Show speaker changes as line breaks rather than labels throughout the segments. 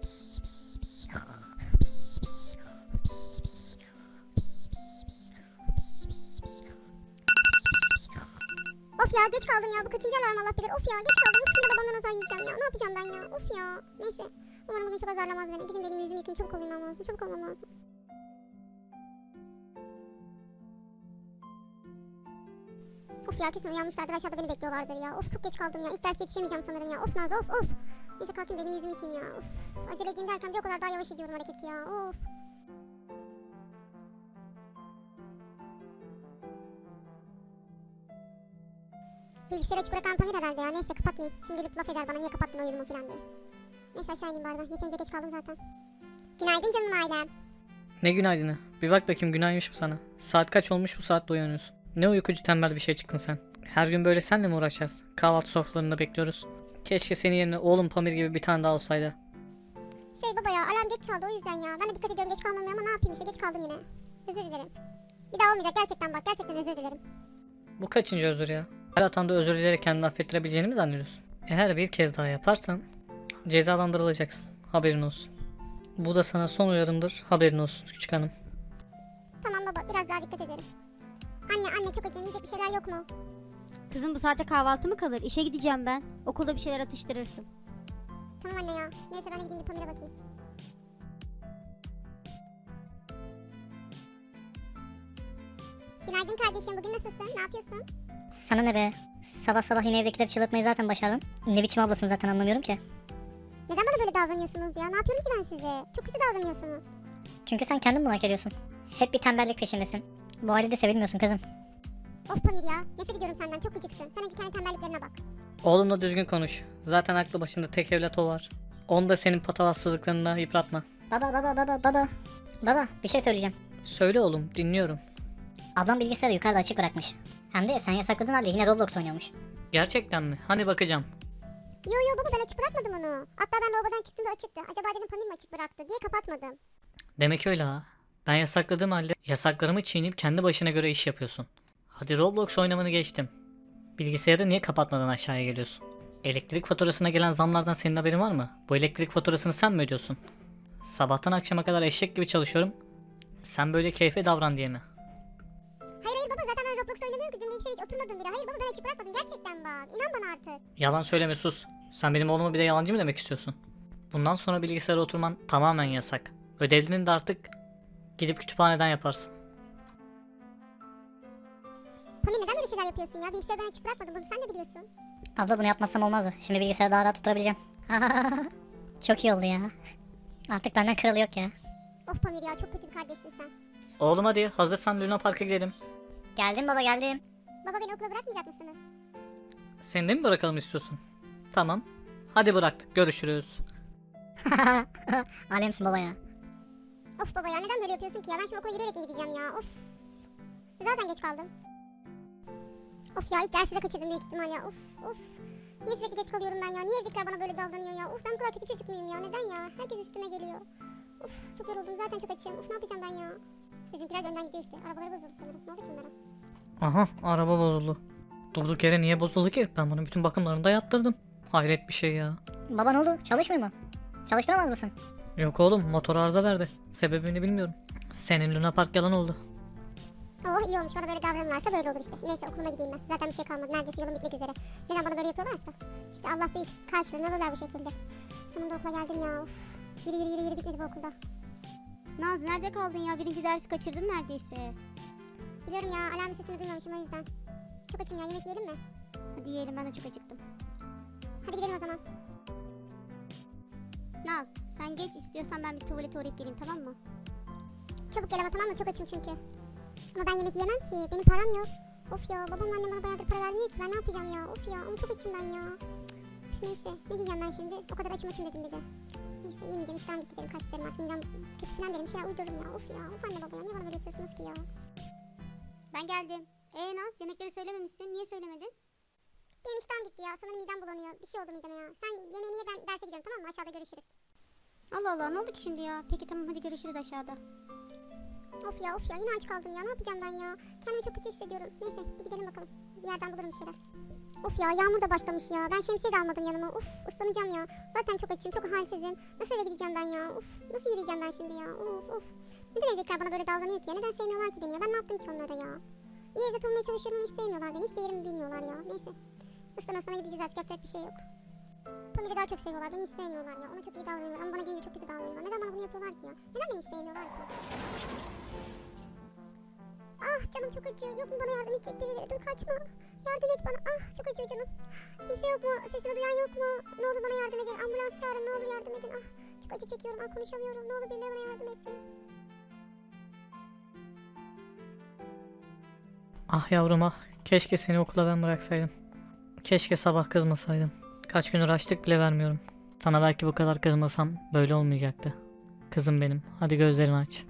Of ya geç kaldım ya, bu kaçıncı alarm Allah bilir. Of ya geç kaldım, of yine babamdan azar yiyeceğim ya. Ne yapacağım ben ya, of ya. Neyse, umarım bugün çok azarlamaz beni. Gidin dedim yüzümü yıkayım, çabuk olmam lazım, çabuk olmam lazım. Of ya kesin uyanmışlardır, aşağıda beni bekliyorlardır ya. Of çok geç kaldım ya, ilk ders yetişemeyeceğim sanırım ya. Of Nazlı, of. Neyse kalkayım dedim yüzümü yıkayım ya. Of, acele edeyim derken bir o kadar daha yavaş ediyorum hareketi ya. Of. Bilgisayarı açık bırakan Pamir herhalde ya. Neyse kapatmayayım. Şimdi gelip laf eder bana, niye kapattın oyunumu falan diye. Neyse aşağı ineyim bari ben. Yeterince geç kaldım zaten. Günaydın canım ailem.
Ne günaydını? Bir bak bakayım günaymış mı sana? Saat kaç olmuş bu saatte uyanıyorsun? Ne uykucu tembel bir şey çıktın sen. Her gün böyle senle mi uğraşacağız? Kahvaltı sofralarında bekliyoruz. Keşke senin yerine oğlum Pamir gibi bir tane daha olsaydı.
Baba ya, alarm geç çaldı o yüzden ya. Ben de dikkat ediyorum geç kalmamaya ama ne yapayım işte, geç kaldım yine. Özür dilerim. Bir daha olmayacak gerçekten, bak gerçekten özür dilerim.
Bu kaçıncı özür ya? Her hatanda özür dileyerek kendini affettirebileceğini mi zannediyorsun? Eğer bir kez daha yaparsan cezalandırılacaksın. Haberin olsun. Bu da sana son uyarımdır. Haberin olsun küçük hanım.
Tamam baba, biraz daha dikkat ederim. Anne çok acım, yiyecek bir şeyler yok mu?
Kızım bu saate kahvaltı mı kalır? İşe gideceğim ben. Okulda bir şeyler atıştırırsın.
Tamam anne ya. Neyse ben de gideyim bir Pamir'e bakayım. Günaydın kardeşim, bugün nasılsın? Ne yapıyorsun?
Sana ne be? Sabah sabah yine evdekileri çıldırtmayı zaten başardın. Ne biçim ablasın zaten anlamıyorum ki.
Neden bana böyle davranıyorsunuz ya? Ne yapıyorum ki ben size? Çok kötü davranıyorsunuz.
Çünkü sen kendin bunu hak ediyorsun. Hep bir tembellik peşindesin. Bu halde sevilmiyorsun kızım.
Of Pamir ya, nefret ediyorum senden, çok gıcıksın. Sen önce kendi tembelliklerine bak.
Oğlumla düzgün konuş. Zaten aklı başında tek evlat o var. Onu da senin patavatsızlıklarında yıpratma.
Baba bir şey söyleyeceğim.
Söyle oğlum, dinliyorum.
Ablam bilgisayarı yukarıda açık bırakmış. Hem de sen yasakladığın halde yine Roblox oynuyormuş.
Gerçekten mi? Hani bakacağım.
Yo baba, ben açık bırakmadım onu. Hatta ben lavabodan çıktığımda açıktı. Acaba dedim Pamir mi açık bıraktı diye kapatmadım.
Demek öyle ha. Ben yasakladığım halde yasaklarımı çiğneyip kendi başına göre iş yapıyorsun. Hadi Roblox oynamanı geçtim. Bilgisayarı niye kapatmadan aşağıya geliyorsun? Elektrik faturasına gelen zamlardan senin haberin var mı? Bu elektrik faturasını sen mi ödüyorsun? Sabahtan akşama kadar eşek gibi çalışıyorum. Sen böyle keyfe davran diye mi?
Hayır baba, zaten ben Roblox oynamıyorum ki. Dün bilgisayara hiç oturmadım bile. Hayır baba, ben açık bırakmadım gerçekten bak. İnan bana artık.
Yalan söyleme, sus. Sen benim oğluma bir de yalancı mı demek istiyorsun? Bundan sonra bilgisayara oturman tamamen yasak. Ödevlerini de artık gidip kütüphaneden yaparsın.
Pamir neden böyle şeyler yapıyorsun ya? Bilgisayarı ben açık bırakmadım, bunu sen de biliyorsun.
Abla bunu yapmazsam olmazdı. Şimdi bilgisayarı daha rahat tutturabileceğim. Çok iyi oldu ya. Artık benden kralı yok ya.
Of Pamir ya, çok kötü bir kardeşsin sen.
Oğlum hadi hazırsan Luna Park'a gidelim.
Geldim baba geldim.
Baba beni okula bırakmayacak mısınız?
Seni de mi bırakalım istiyorsun? Tamam. Hadi bıraktık, görüşürüz.
Alemsin baba ya.
Of baba ya, neden böyle yapıyorsun ki ya? Ben şimdi okula yürüyerek mi gideceğim ya? Of. Zaten geç kaldım. Of ya, ilk dersi de kaçırdım büyük ihtimal ya. Of. Niye sürekli geç kalıyorum ben ya? Niye evdekiler bana böyle davranıyor ya? Of, ben bu kadar kötü çocuk muyum ya? Neden ya? Herkes üstüme geliyor. Of, çok yoruldum, zaten çok açım. Of, ne yapacağım ben ya? Bizimkiler de önden gidiyor işte. Arabaları bozuldu sanırım. Ne oldu ki bunlara?
Aha, araba bozuldu. Durduk yere niye bozuldu ki? Ben bunun bütün bakımlarını da yaptırdım. Hayret bir şey ya.
Baba ne oldu? Çalışmıyor mu? Çalıştıramaz mısın?
Yok oğlum, motor arıza verdi. Sebebini bilmiyorum. Senin Luna Park yalan oldu.
Oh iyi olmuş, bana böyle davranırlarsa böyle olur işte. Neyse okuluma gideyim ben. Zaten bir şey kalmadı. Neredeyse yolum bitmek üzere. Neden bana böyle yapıyorlarsa? İşte Allah büyük. Karşılığını alırlar bu şekilde. Sonunda okula geldim ya. Of. Yürü bitmedi bu okulda.
Naz nerede kaldın ya? Birinci dersi kaçırdın neredeyse.
Biliyorum ya, alarm sesini duymamışım o yüzden. Çok açım ya, yemek yiyelim mi?
Hadi yiyelim, ben de çok acıktım.
Hadi gidelim o zaman.
Naz sen geç, istiyorsan ben bir tuvalete uğrayıp geleyim, tamam mı?
Çabuk gel ama, tamam mı? Çok açım çünkü. Ama ben yemek yiyemem ki. Benim param yok. Of ya, babam annem bana bayağıdır para vermiyor ki. Ben ne yapacağım ya? Of ya, ama çok açım ben ya. Üf, neyse, ne diyeceğim ben şimdi? O kadar açım dedim bir de. Neyse, yemeyeceğim, iştahım gitti derim. Kaç derim artık, midem kötü falan derim. Bir şeyler uydururum ya. Of ya, of anne baba ya. Niye bana böyle yapıyorsunuz ki ya?
Ben geldim. Naz yemekleri söylememişsin, niye söylemedin?
Benim iştahım gitti ya. Sanırım midem bulanıyor. Bir şey oldu mideme ya. Sen yemeğini ye, ben derse gidiyorum, tamam mı? Aşağıda görüşürüz.
Allah Allah, ne oldu ki şimdi ya? Peki tamam, hadi görüşürüz aşağıda.
Of ya yine aç kaldım ya. Ne yapacağım ben ya? Kendimi çok kötü hissediyorum. Neyse, bir gidelim bakalım. Bir yerden bulurum bir şeyler. Of ya yağmur da başlamış ya. Ben şemsiye de almadım yanıma. Of ıslanacağım ya. Zaten çok açım, çok halsizim. Nasıl eve gideceğim ben ya? Of nasıl yürüyeceğim ben şimdi ya? Of. Neden evdekiler bana böyle davranıyor ki ya? Neden sevmiyorlar ki beni ya? Ben ne yaptım ki onlara ya? İyi evde olmaya çalışıyorum ama hiç sevmiyorlar beni. Hiç değerimi bilmiyorlar ya. Neyse. Islana sana gideceğiz artık, yapacak bir şey yok. Pamir'i daha çok seviyorlar. Beni hiç sevmiyorlar ya. Ona çok iyi davranıyorlar ama bana gelince çok kötü davranıyorlar. Neden bana bunu yapıyorlar ki ya? Neden beni hiç sevmiyorlar ki? Ah canım çok acıyor. Yok mu bana yardım edecek birileri? Dur kaçma. Yardım et bana. Ah çok acıyor canım. Kimse yok mu? Sesimi duyan yok mu? Ne olur bana yardım edin. Ambulans çağırın. Ne olur yardım edin. Ah çok acı çekiyorum. Ah konuşamıyorum. Ne olur birileri bana yardım etsin.
Ah yavrum ah. Keşke seni okula ben bıraksaydım. Keşke sabah kızmasaydım. Kaç gündür açlık bile vermiyorum. Sana belki bu kadar kızmasam böyle olmayacaktı. Kızım benim. Hadi gözlerini aç.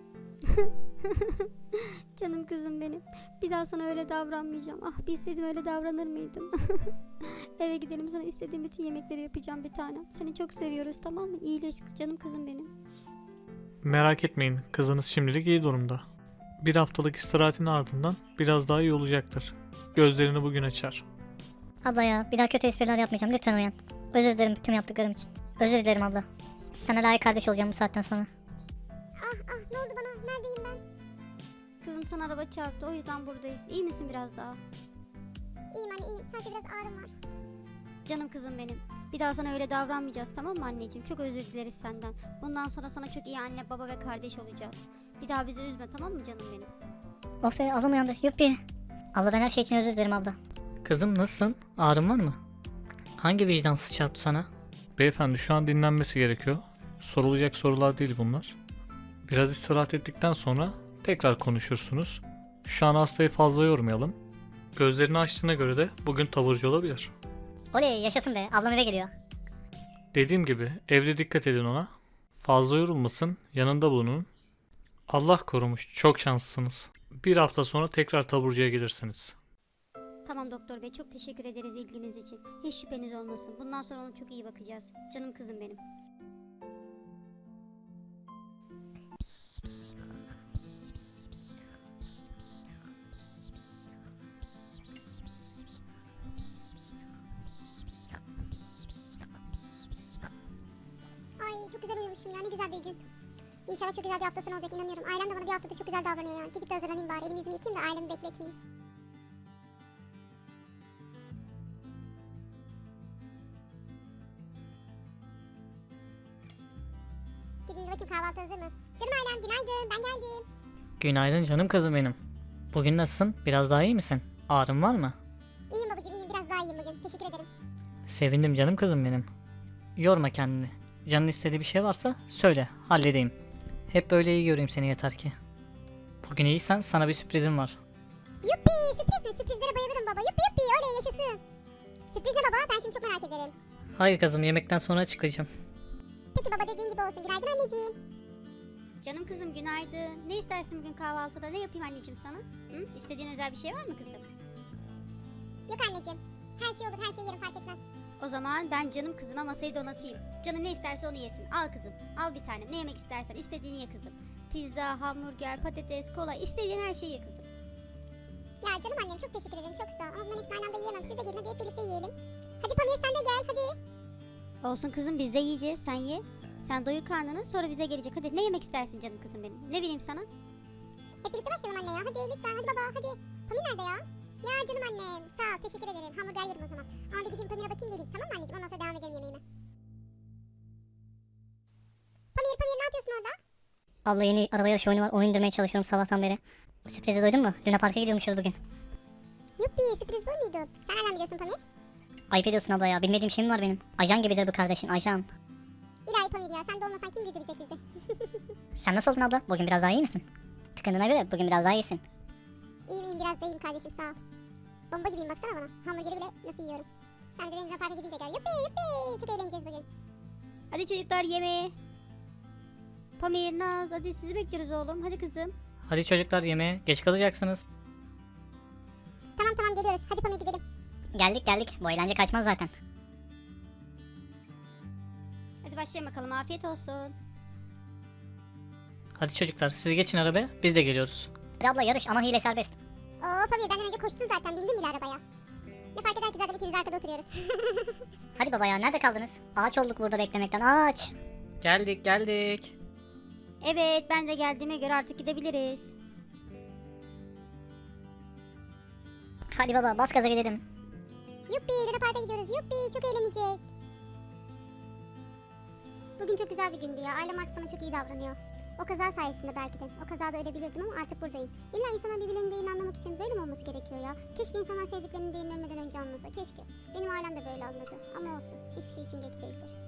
Canım kızım benim. Bir daha sana öyle davranmayacağım. Ah bilseydim öyle davranır mıydım? Eve gidelim, sana istediğim bütün yemekleri yapacağım bir tanem. Seni çok seviyoruz, tamam mı? İyileş canım kızım benim.
Merak etmeyin, kızınız şimdilik iyi durumda. Bir haftalık istirahatin ardından biraz daha iyi olacaktır. Gözlerini bugün açar.
Abla ya, bir daha kötü espriler yapmayacağım. Lütfen uyan. Özür dilerim tüm yaptıklarım için. Özür dilerim abla. Sana layık kardeş olacağım bu saatten sonra.
Ah ne oldu bana? Neredeyim ben?
Kızım sana araba çarptı, o yüzden buradayız. İyi misin biraz daha?
İyiyim anne iyiyim. Sadece biraz ağrım var.
Canım kızım benim. Bir daha sana öyle davranmayacağız, tamam mı anneciğim? Çok özür dileriz senden. Bundan sonra sana çok iyi anne, baba ve kardeş olacağız. Bir daha bizi üzme, tamam mı canım benim?
Of be, ablam uyandı. Yuppi. Abla ben her şey için özür dilerim abla.
Kızım nasılsın? Ağrın var mı? Hangi vicdansız çarptı sana?
Beyefendi şu an dinlenmesi gerekiyor. Sorulacak sorular değil bunlar. Biraz istirahat ettikten sonra tekrar konuşursunuz. Şu an hastayı fazla yormayalım. Gözlerini açtığına göre de bugün taburcu olabilir.
Oley yaşasın be, ablam eve geliyor.
Dediğim gibi evde dikkat edin ona. Fazla yorulmasın, yanında bulunun. Allah korumuş, çok şanslısınız. Bir hafta sonra tekrar taburcuya gelirsiniz.
Tamam doktor bey, çok teşekkür ederiz ilginiz için. Hiç şüpheniz olmasın. Bundan sonra ona çok iyi bakacağız. Canım kızım benim.
Ay çok güzel uyumuşum ya. Ne güzel bir gün. İnşallah çok güzel bir hafta sonu olacak, inanıyorum. Ailem de bana bir haftadır çok güzel davranıyor ya. Gidip de hazırlanayım bari. Elimi yüzümü yıkayayım da ailemi bekletmeyeyim. Gidin de bakayım kahvaltı hazır mı? Canım ailem günaydın, ben geldim.
Günaydın canım kızım benim. Bugün nasılsın? Biraz daha iyi misin? Ağrın var mı?
İyiyim babacığım iyiyim, biraz daha iyiyim bugün. Teşekkür ederim.
Sevindim canım kızım benim. Yorma kendini. Canın istediği bir şey varsa söyle, halledeyim. Hep böyle iyi göreyim seni yeter ki. Bugün iyiysen sana bir sürprizim var.
Yuppi sürpriz mi? Sürprizlere bayılırım baba. Yuppi oley yaşasın. Sürpriz ne baba? Ben şimdi çok merak ederim.
Hayır kızım, yemekten sonra açıklayacağım.
Peki baba dediğin gibi olsun. Günaydın anneciğim.
Canım kızım günaydın. Ne istersin bugün kahvaltıda? Ne yapayım anneciğim sana? Hı? İstediğin özel bir şey var mı kızım?
Yok anneciğim. Her şey olur, her şey yerim fark etmez.
O zaman ben canım kızıma masayı donatayım. Canı ne isterse onu yesin. Al kızım. Al bir tane. Ne yemek istersen istediğini ye kızım. Pizza, hamburger, patates, kola, istediğin her şeyi ye kızım.
Ya canım annem çok teşekkür ederim, çok sağ ol. Ama bunların hepsini aynı anda yiyemem. Siz de gelin hadi hep birlikte yiyelim. Hadi Pamir sen de gel hadi.
Olsun kızım, biz de yiyeceğiz. Sen ye. Sen doyur karnını, sonra bize gelecek. Hadi ne yemek istersin canım kızım benim? Ne bileyim sana?
Hep birlikte başlayalım anne ya. Hadi lütfen hadi baba hadi. Pamir nerede ya? Ya canım annem sağ ol teşekkür ederim. Hamburger yerim o zaman. Ama bir gideyim Pamir'e bakayım geleyim, tamam mı anneciğim? Ondan sonra devam edelim yemeğime. Pamir ne yapıyorsun orada?
Abla yeni araba yarışı oyunu var, onu indirmeye çalışıyorum sabahtan beri. Bu sürprizi duydun mu? Luna Park'a gidiyormuşuz bugün.
Yuppi sürpriz bu muydu? Sen nereden biliyorsun Pamir?
Ayıp ediyorsun abla ya, bilmediğim şey mi var benim? Ajan gibidir bu kardeşin, ajan.
İlahi Pamir ya, sen de olmasan kim güldürecek bizi?
Sen nasıl oldun abla? Bugün biraz daha iyi misin? Tıkındığına göre bugün biraz daha iyisin.
İyiyim biraz da iyiyim kardeşim sağ ol. Bomba gibiyim baksana bana. Hamburgeri bile nasıl yiyorum. Sen de benim Luna Park'a gidince gör. Yuppi çok eğleneceğiz bugün.
Hadi çocuklar yemeğe. Pamir, Naz, hadi sizi bekliyoruz oğlum. Hadi kızım.
Hadi çocuklar yemeğe, geç kalacaksınız.
Tamam geliyoruz. Hadi Pamir gidelim.
Geldik. Bu eğlence kaçmaz zaten.
Hadi başlayalım bakalım. Afiyet olsun.
Hadi çocuklar siz geçin arabaya, biz de geliyoruz.
Hadi abla yarış ama hile serbest.
Oo Pamir benden önce koştun zaten. Bindin bile arabaya. Ne fark eder ki zaten ikimiz de arkada oturuyoruz.
Hadi baba ya, nerede kaldınız? Ağaç olduk burada beklemekten, ağaç.
Geldik geldik.
Evet, ben de geldiğime göre artık gidebiliriz.
Hadi baba, bas gaza gidelim.
Yuppi Luna Park'a gidiyoruz. Yuppi çok eğleneceğiz. Bugün çok güzel bir gündü ya. Ailem artık bana çok iyi davranıyor. O kaza sayesinde belki de. O kazada ölebilirdim ama artık buradayım. İlla insanlar birbirlerinin değerini anlamak için böyle mi olması gerekiyor ya? Keşke insanlar sevdiklerinin değerini ölmeden önce anlasa. Keşke. Benim ailem de böyle anladı. Ama olsun. Hiçbir şey için geç değildir.